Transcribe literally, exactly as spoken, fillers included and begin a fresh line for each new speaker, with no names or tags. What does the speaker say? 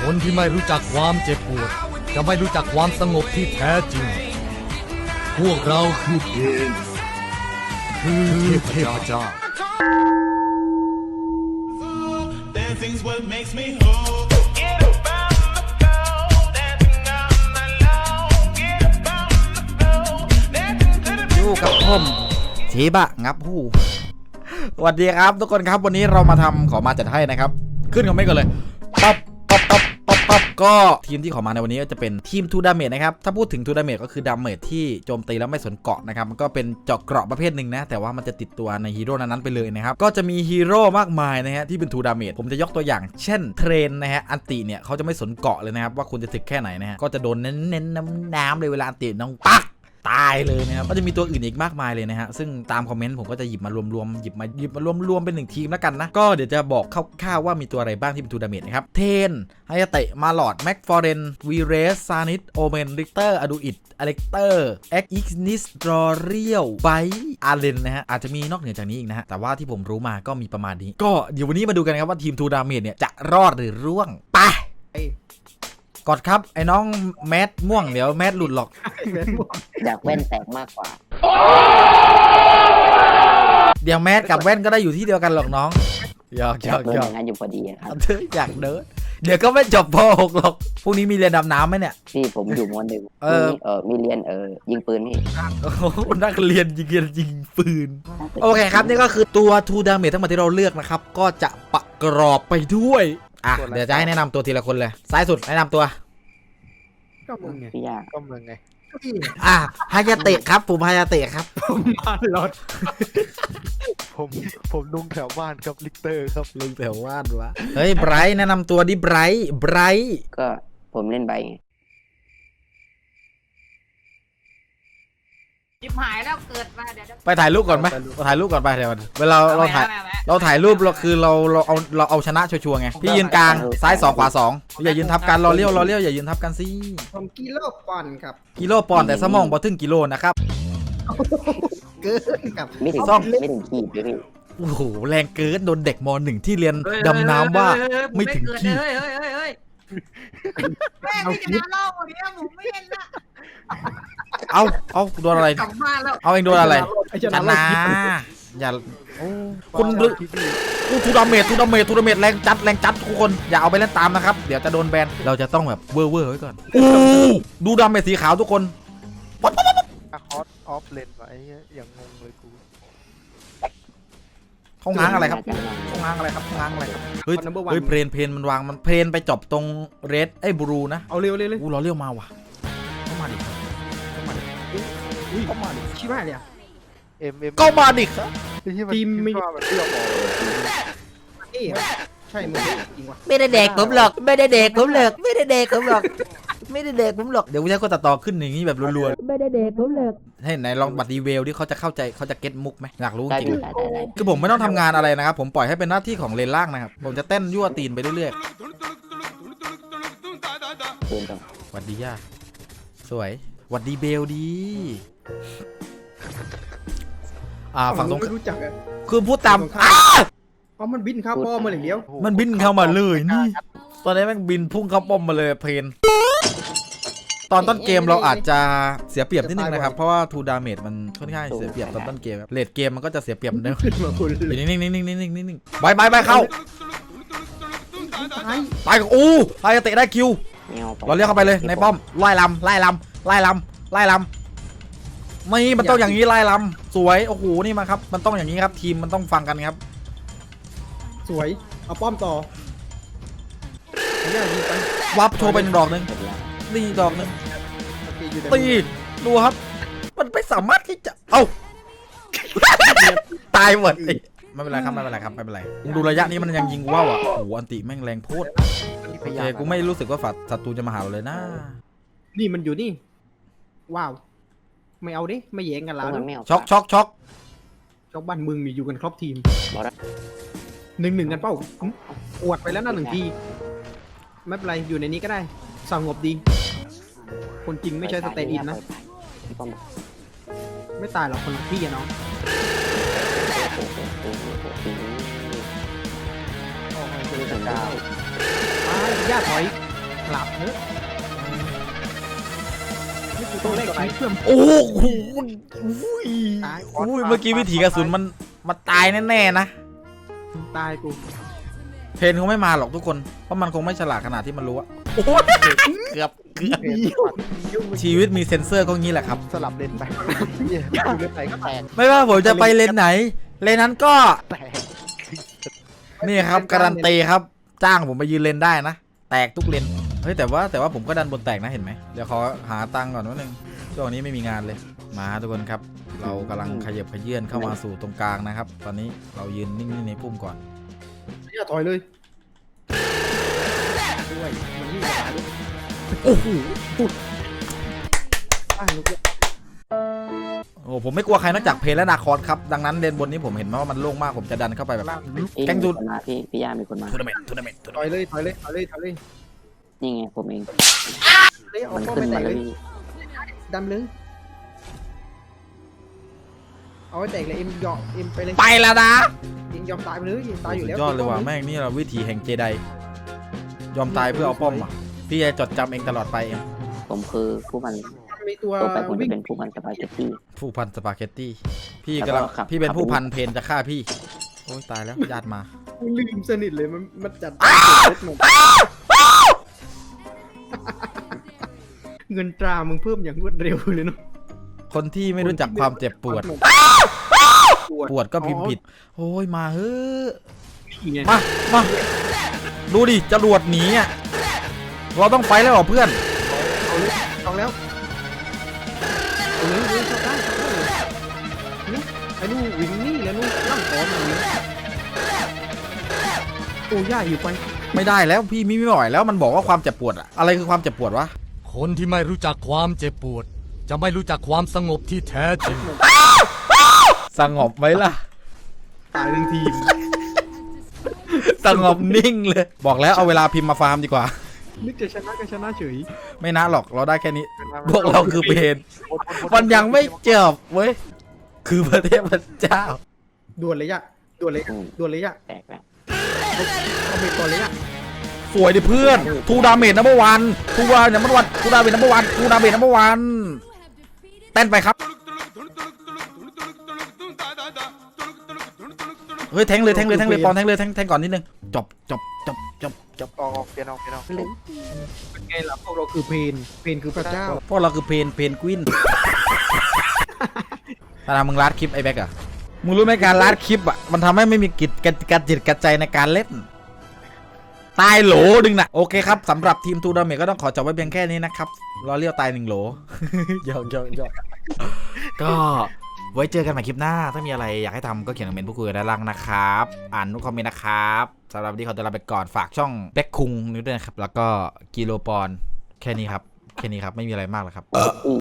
คนที่ไม่รู้จักความเจ็บปวดจะไม่รู้จักความสงบที่แท้จริงพวกเราคือเทนคือเทพเจ้า
Dancing's what makes me whole. Get up on the floor, dancing on the low. Get up on the floor, dancing to the
อยู่กับผมชีบะงับหูสวัสดีครับทุกคนครับวันนี้เรามาทำขอมาจัดให้นะครับขึ้นคอมเมนต์กันเลยป๊อปป๊อปป๊อปป๊อปป๊อปก็ทีมที่ขอมาในวันนี้ก็จะเป็นทีมทูดาเมจนะครับถ้าพูดถึงทูดาเมจก็คือดาเมจที่โจมตีแล้วไม่สนเกาะนะครับมันก็เป็นเจาะเกราะประเภทหนึ่งนะแต่ว่ามันจะติดตัวในฮีโร่นั้นๆไปเลยนะครับก็จะมีฮีโร่มากมายนะฮะที่เป็นทูดาเมจผมจะยกตัวอย่างเช่นเทรนนะฮะอันติเนี่ยเขาจะไม่สนเกาะเลยนะครับว่าคุณจะถึกแค่ไหนนะฮะก็จะโดนเน้นๆน้ำๆเลยเวลาอันติน้องปักตายเลยนะครับก็จะมีตัวอื่นอีกมากมายเลยนะฮะซึ่งตามคอมเมนต์ผมก็จะหยิบมารวมๆหยิบมาหยิบมารวมๆเป็นหนึ่งทีมแล้วกันนะก็เดี๋ยวจะบอกคร่าวๆว่ามีตัวอะไรบ้างที่เป็นทูดาเมจนะครับเทนไฮยาเตะมาลอดแม็กฟอร์เรนวีเรสซานิสโอเมนริกเตอร์อดูอิดอเล็กเตอร์เอ็กอิกนิสดอเรียลไบอาร์เลนนะฮะอาจจะมีนอกเหนือจากนี้อีกนะฮะแต่ว่าที่ผมรู้มาก็มีประมาณนี้ก็เดี๋ยววันนี้มาดูกันครับว่าทีมทูดาเมจเนี่ยจะรอดหรือร่วงไปกดครับไอ้น้องแมทม่วงเดี๋ยวแมทหลุดหรอก
อยากแว่นแตกมากกว่า
เดี๋ยวแมทกับแว่นก็ได้อยู่ที่เดียวกันหรอกน้องหยอกหยอก
เดิ
ห
น
ย
อ
อก
ย่างนั้นอยู่พอดีครับ
เธออยากเดินเดี๋ยวก็ไม่จบป หกหรอกพรุ่งนี้มีเรียนดำน้ำไหมเนี่ย
พี่ผมอยู่มหนึ่ง
เออ
มีเออมีเรียนเออยิงปืนพี่
โอ้โหนักเรียนยิงเรียนยิงปืนโอเคครับนี่ก็คือตัวทูดาเมจทั้งหมดที่เราเลือกนะครับก็จะประกรอบไปด้วยอ่ะเดี๋ยวจะให้แนะนำตัวทีละคนเลยซ้ายสุดแนะนำตัว
ก็มึงไง
พี่ยาก
ก็มึงไง
อ่ะฮายาเตะครับผมฮายาเตะครับ
ผมมาลดผมผมลุงแถวบ้านครับลิกเตอร์ครับ
ลุงแถวว่านวะเฮ้ยไบรท์แนะนำตัวดิไบรท์ไบรท์
ก็ผมเล่นใบไง
จิบหายแล้วเกิดมาเดี๋ยว
ไปถ่ายรูปก่อนไหมไปถ่ายรูปก่อนไปเดี๋ยวเวลาเราถ่าย
แม่แม่
เราถ่ายรูปเราคือเราเราเอาเราเอาชนะชัวร์ๆไงพี่ยืนกลางซ้ายสองขวาสองอย่ายืนทับกันรอเลี้ยวรอเลี้ยวอย่ายืนทับกันสิ
ผมกิโลปอนครับ
กิโลปอนด์แต่สมองบอถึงกิโลนะครับ
เกินกับ
ไม่ถึง
ซ่อม
ไม่ถึงขีดเลยพี่
โอ้โหแรงเกินโดนเด็กมหนึ่งที่เรียนดำน้ำว่าไม่ถึงขีด
เฮ้ยเฮ้ยเฮ้ยเฮ้ยแม่ไม่จะเล่าวันนี้ผมไม่เล่นละ
เอาเอาโดนอะไร
กลับบ้านแล้ว
เอาเองโดนอะไร
ไอ้
ช
ชนะ
นะอย่าคุณดูทูดาเมจทูดาเมจทูดาเมจแรงจัดแรงจัดทุกคนอย่าเอาไปเล่นตามนะครับเดี๋ยวจะโดนแบนเราจะต้องแบบเวอร์เวอร์ไว้ก่อนดูดาเมจสีขาวทุกคนปั๊บปั๊บปั๊บ
คอสออฟเลนไว้อย่างงงเลยกู
เขาง้างอะไรครับเขาง้างอะไรครับเขาง้างอะไรครับเฮ้ยเฮ้ยเพลนเพลนมันวางมันเพลนไปจบตรงเรดไอ้บลูนะ
เอาเร็วเร็วเลย
อู้เราเรียวมาว่ะเข้ามาดิเข้ามาดิ
อุ้ย
เข้ามาดิ
ชิบหายเลยเอ็มเอ็ม
เข้ามาดิครับ
ทีมไม่ว่ามันเลือกออกเอ๊ะใช่มึงจริงวะ
ไม่ได้เด็กผมหรอกไม่ได้เด็กผมหรอกไม่ได้เด็กผมหรอกไม่ได้เด็กผมหรอกเดี๋ยวกูจะก็ตัดต่อขึ้นอย่างนี้แบบรัวๆไม่ได้เด็กผมหรอกให้ไหนลองบัตรดีเวลที่เขาจะเข้าใจเขาจะเก็ตมุกไหมอยากรู้
ได้
จริง
พี่ได้ได้ได้
คือผมไม่ต้องทำงานอะไรนะครับผมปล่อยให้เป็นหน้าที่ของเลนล่างนะครับผมจะเต้นยั่วตีนไปเรื่อย
เดินต่อ
ๆหวัดดีย่าสวยหวัดดีเบลดีอ่าฝั่งตรง
ไม่รู้จักอ่ะ
คือพูดตามอ้า
เพราะมันบินเข้าป้อมาอย่างเดียว
มันบินเข้ามาเลยนี่ตอนนี้มันบินพุ่งเข้าป้อมมาเลยเพลนตอนต้นเกมเราอาจจะเสียเปรียบนิดนึงนะครับเพราะว่าทูดาเมจมันค่อนข้างเสียเปรียบตอนต้นเกมครับเลดเกมมันก็จะเสียเปรียบเดิม
ขึ้นมาคุณ
อยู่นิ่งๆนิ่งๆนิ่งๆนิ่งๆนิ่งๆบายบายบายเข้า
ตาย
ตายกับอู้ไฮเตะได้คิว
แนว
เราเรียกเข้าไปเลยในป้อมไล่ลำไล่ลำไล่ลำไล่ลำนี่มันต้องอย่างนี้ไล่ลำสวยโอ้โหนี่มาครับมันต้องอย่างนี้ครับทีมมันต้องฟังกันครับ
สวยเอาป้อมต่อไอ้เนี่ยยิงไป
วับโชว์ไปหนึ่งดอกหนึ่งนี่ดอกหนึ่ง
โอเคอยู่แต่
ตีดูครับ มันไม่สามารถที่จะเอ้า ตายหมดไม่เป็นไรครับไม่เป็นไรครับไม่เป็นไรดูระยะนี้มันยังยิงว่าวอ่ะโอ้โหอันติแม่งแรงโพดโอเคกูไม่รู้สึกว่าฝัดศัตรูจะมาหาเราเลยนะ
นี่มันอยู่นี่ว้าวไม่เอาดิไม่แย่งกัน
เพ
แล้ว
ราะมันไม่เอา
ช็อกช็อกช็อก
ชาวบ้านมึงมีอยู่กันครบทีม
บอกแล้ว
หนึ่งหนึ่งกันเป้าอื้ออวดไปแล้วนะหนึ่งทีไม่เป็นไรอยู่ในนี้ก็ได้สงบดี คนจริงไม่ใช่สเตนอินนะ
พี่ป้อมบอก
ไม่ตายหรอกคนละพี่อะน้อง
โอ้โหโอ้โหโอ้โห
โอ้ย
ไม่ถึงดาว
ตายญาติถอยหลับเนอะนี่กูต้องเล่นชีวิตเพื่อ
โอ้โหอุ้ยอุ้ยเมื่อกี้วิถีกระสุนมันมันตายแน่ๆนะ
ตายกู
เพนคงไม่มาหรอกทุกคนเพราะมันคงไม่ฉลาดขนาดที่มันรู้อะโอ้ยเกือบเกือบชีวิตมีเซ็นเซอร์ก็งี้แหละครับ
สลับเลนไปเนี่ยอยู่เลนไหนก็แตก
ไม่ว่าผมจะไปเลนไหน เลนนั้นก็
แตก
นี่ครับการันตีครับจ้างผมไปยืนเลนได้นะแตกทุกเลนเฮ้ยแต่ว่าแต่ว่าผมก็ดันบนแตกนะเห็นไหมเดี๋ยวขอหาตังค์ก่อนนิดนึงช่วงนี้ไม่มีงานเลยมาทุกคนครับ เรากำลังขยับขยื่นเข้ามาสู่ตรงกลางนะครับ ตอนนี้เรายืนนิ่งๆในปุ่มก่อน
อย่าถอยเลยด้วยมันนี่หาด้วย
โอ้โห
อ้าวลูกเอ้ย
โอ้ผมไม่กลัวใครนอกจากเพลและนาคอสครับดังนั้นเลนบนนี้ผมเห็นว่ามันโล่งมากผมจะดันเข้าไปแบบ
พี่
แกง
มี
ดู
คนมาพี่พี่ย่ามีคนมา
ทัวร์นาเมนต์ทัวร์นาเมนต์ทัวร์
ถ
นา
อ
เม
ย
นต์
เลยถอยเลยถอยเลยถอยเลย
นี่ไงผมเอง
เฮ้ยเอา
มัน
ป้อม
ขึ้น
ไปไหน
มา
เล
แล้ว
ย
พี่
ดำเลยเอาไว้แตกเลยเอ็มยอมเอ็มไปเลย
ไปแล้วนะ
เอ็มยอมตายไปเลยตายอยู่
สุ
แล้
ด
วย
อดเลยว่ะแม่งนี่เราวิถีแห่งเจไดยอมตายเพื่อเอาป้อมอ่ะพี่จะจดจำเองตลอดไปเอง
ผมคือผู้มัน
มีตัว
ต่อไปผมจะ
วิ่ง
เป็นผู้มันสปาเกตตี้
ผู้พันสปาเกตตี้พี่
แล้ว
กำ
ก็
ลัง
ขับ
พี่เป็น
ขับ
ผู้พันเพนจะฆ่าพี่โอ้ยตายแล้วญาติมา
ลืมสนิทเลยมันมันจัดรถหมดเงินตรามึงเพิ่มอย่างรวดเร็วเลยเนาะ
คนที่ไม่รู้จักความเจ็บปวด ปวดก็พิมพ์ผิดโอ้ยมาเฮ้อะ
นี่ไง
มามาดูดิจรวดหนีอ่ะเราต้องไฟแล้วเหรอเพื่อน
เอาเลยเอาแล้วเอาเลยเอาเลยชอบได้ชอบได้เลยนี่ไอ้นู่นวิ่งนี่แล้วนู่นนั่งขอมาเลยโอ้ย่าอยู่ไป
ไม่ได้แล้วพี่มิไม่ไหวแล้วมันบอกว่าความเจ็บปวดอะอะไรคือความเจ็บปวดวะ
คนที่ไม่รู้จักความเจ็บปวด จะไม่รู้จักความสงบที่แท้จริง
สงบไหมล่ะ
ตายทั้งทีม
สงบนิ่งเลย บอกแล้วเอาเวลาพิมพ์มาฟาร์มดีกว่า
นึกจะชนะก็ชนะเฉย
ไม่นะหรอกเราได้แค่นี้ พวกเราคือเพนมันยังไม่เจ็บเว้ยคือประเทศพระเจ้า
ด่วนเลยอะด่วนเลยอะด่วนเลยอะ
แตกแล้ว
เอาไปก่อนเลยอะ
สวยดิเพื่อนทูดาเมจนัมเบอร์วันทูดาเมจนัมเบอร์วันทูดาเมจนัมเบอร์วันทูดาเมจนัมเบอร์วันเต้นไปครับเฮ้ยแทงเลยแทงเลยแทงเลยปอนแทงเลยแทงแทงก่อนนิดนึงจบจบจบจบจบ
ออกออกเปลี่ยนออกเปลี่ยนออก
เป็นไงล่ะพวกเราคือเพนเพนคือพระเจ้า
พวกเราคือเพนเพนกวินตาดามึงลัดคลิปไอ้แบ็กอะมึงรู้ไหมการลัดคลิปอะมันทำให้ไม่มีกิจการจิตกระใจในการเล่นตายโหลดึงนะโอเคครับสำหรับทีมทูดาเมจก็ต้องขอจบไว้เพียงแค่นี้นะครับรอเลี้ยวตายหนึ่งโหล ยอกยอกยอกก็ไว้เจอกันใหม่คลิปหน้าถ้ามีอะไรอยากให้ทำก็เขียนคอมเมนต์พูดคุยกันด้านล่างนะครับอ่านทุกคอมเมนต์นะครับสำหรับวันนี้ขอตัวลาไปก่อนฝากช่องแบ็คคุงนิดด้วยนะครับแล้วก็กิโลปอนแค่นี้ครับแค่นี้ครับไม่มีอะไรมากแล้วครับ